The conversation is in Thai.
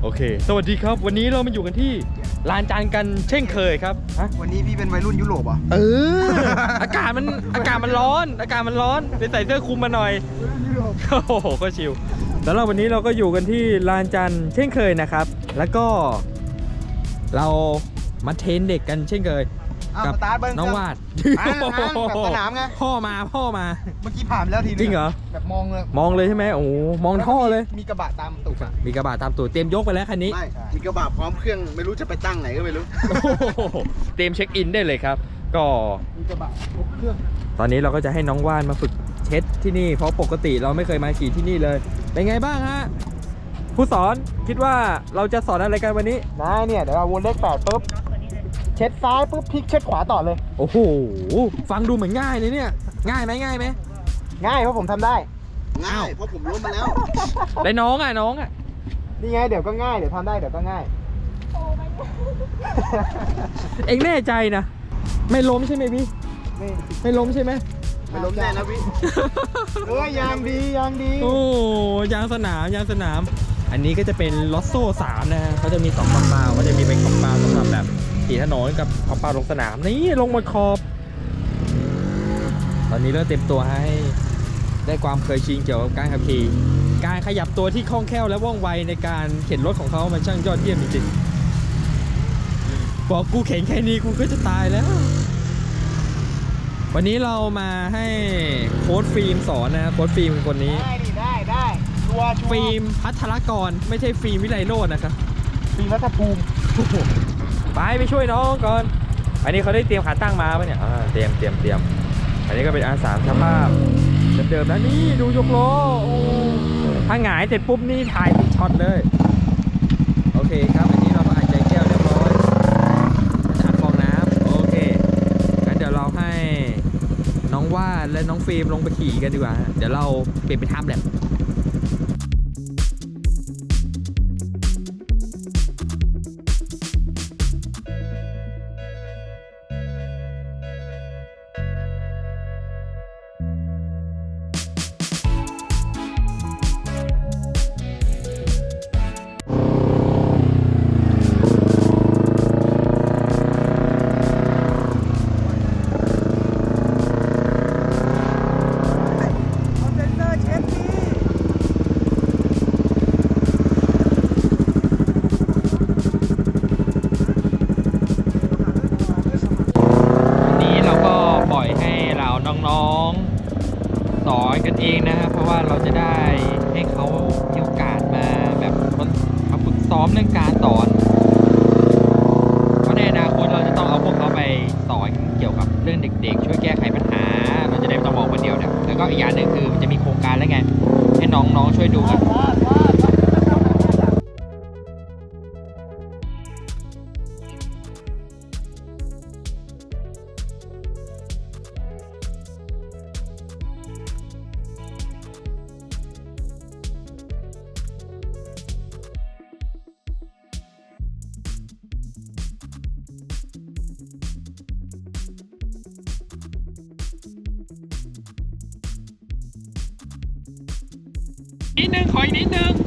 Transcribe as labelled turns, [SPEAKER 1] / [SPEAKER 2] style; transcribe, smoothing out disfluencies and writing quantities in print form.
[SPEAKER 1] โอเคสวัสดีครับวันนี้เรามาอยู่กันที่ลานจานกันเช่นเคยครับ
[SPEAKER 2] วันนี้พี่เป็นวัยรุ่นยุโรปอ่ะ
[SPEAKER 1] อากาศมันร้อนเลยใส่เสื้อคลุมมาหน่อยโอ้โหก็ชิลแล้วเราวันนี้เราก็อยู่กันที่ลานจันทร์เช่นเคยนะครับแล้วก็เรามาเทรนเด็กกันเช่นเคยกับน้องวาด
[SPEAKER 2] แบบสนามไง
[SPEAKER 1] พ่อมา
[SPEAKER 2] เมื่อกี้ผ่านแล้วทีนึง
[SPEAKER 1] จริงเหรอ
[SPEAKER 2] แบบมอง
[SPEAKER 1] เลยใช่ไหมโอ้มองท่อเลย
[SPEAKER 2] มีกระบะตามตูด
[SPEAKER 1] มีกระบะตามตูดเตรียมยกไปแล้วคันนี้
[SPEAKER 2] ไม่มีกระบะพร้อมเครื่องไม่รู้จะไปตั้งไหนก็ไม่รู้
[SPEAKER 1] เตรียมเช็คอินได้เลยครับก็
[SPEAKER 2] มีกระบะครบเครื่อง
[SPEAKER 1] ตอนนี้เราก็จะให้น้องว่านมาฝึกเช็ดที่นี่เพราะปกติเราไม่เคยมาขี่ที่นี่เลยเป็นไงบ้างฮะผู้สอนคิดว่าเราจะสอนอะไรกันวันนี้
[SPEAKER 2] นะเนี่ยเดี๋ยวเราวนเลข8ปุ๊บเช็ดซ้ายปุ๊บพลิกเช็ดขวาต่อเลย
[SPEAKER 1] โอ้โหฟังดูเหมือนง่ายเลยเนี่ยง่ายไหม
[SPEAKER 2] ง่ายเพราะผมทำได้ง่ายเพราะผมล้มมาแล้ว
[SPEAKER 1] ได้น้องอ่ะ
[SPEAKER 2] นี่ไงเดี๋ยวก็ง่ายเดี๋ยวทำได้เดี๋ยวก็ง่าย
[SPEAKER 1] เอ็งแน่ใจนะไม่ล้มใช่ไหมพี่ไม่ล้มใช่ไหม
[SPEAKER 2] ไม่ล้มแน่นะพี่ยางดี
[SPEAKER 1] โอ้ยางสนามอันนี้ก็จะเป็นลอสโซ่3นะฮะเขาจะมี2คอมเปาก็จะมีเป็นคอมเปาสำหรับแบบขี่ถนนกับคอมเปาลงสนามนี่ลงมาขอบตอนนี้เริ่มเต็มตัวให้ได้ความเคยชินเกี่ยวกับการขับขี่การขยับตัวที่คล่องแคล่วและว่องไวในการเข็นรถของเขามันช่างยอดเยี่ยมจริงๆบอกกูเข็นแค่นี้กูก็จะตายแล้ววันนี้เรามาให้โค้ชฟิล์มสอนนะโค้ชฟิล์มเป็นคนนี้
[SPEAKER 2] ได้
[SPEAKER 1] ฟิล์มพัทรกรไม่ใช่ฟิล์มวิไลโรจน์นะครับ
[SPEAKER 2] ฟิล์มรัฐภูมิ
[SPEAKER 1] ไปช่วยน้องก่อนอันนี้เขาได้เตรียมขาตั้งมาปะเนี่ยเตรียมอันนี้ก็เป็นR3สภาพเดิมๆนะนี่ดูยกล้อถ้าหงายเสร็จปุ๊บนี่ถ่ายเป็นช็อตเลยโอเคครับอันนี้เราก็อัดใจแก้วเรียบร้อยจะอัดฟองน้ำโอเคงั้นเดี๋ยวเราให้น้องวาดและน้องฟิล์มลงไปขี่กันดีกว่าเดี๋ยวเราเปลี่ยนเป็นไทม์แลปน้องๆสอนกันเองนะครับเพราะว่าเราจะได้ให้เขามีโอกาสมาแบบมาฝึกซ้อมเรื่องการสอนเพราะในอนาคตเราจะต้องเอาพวกเขาไปสอนเกี่ยวกับเรื่องเด็กๆช่วยแก้ไขปัญหาเราจะได้ไม่ต้องมองคนเดียวนะแล้วก็อีกอย่างหนึ่งคือมันจะมีโครงการแล้วไงให้น้องๆช่วยดูกันนิดนึงขออีกนิดนึง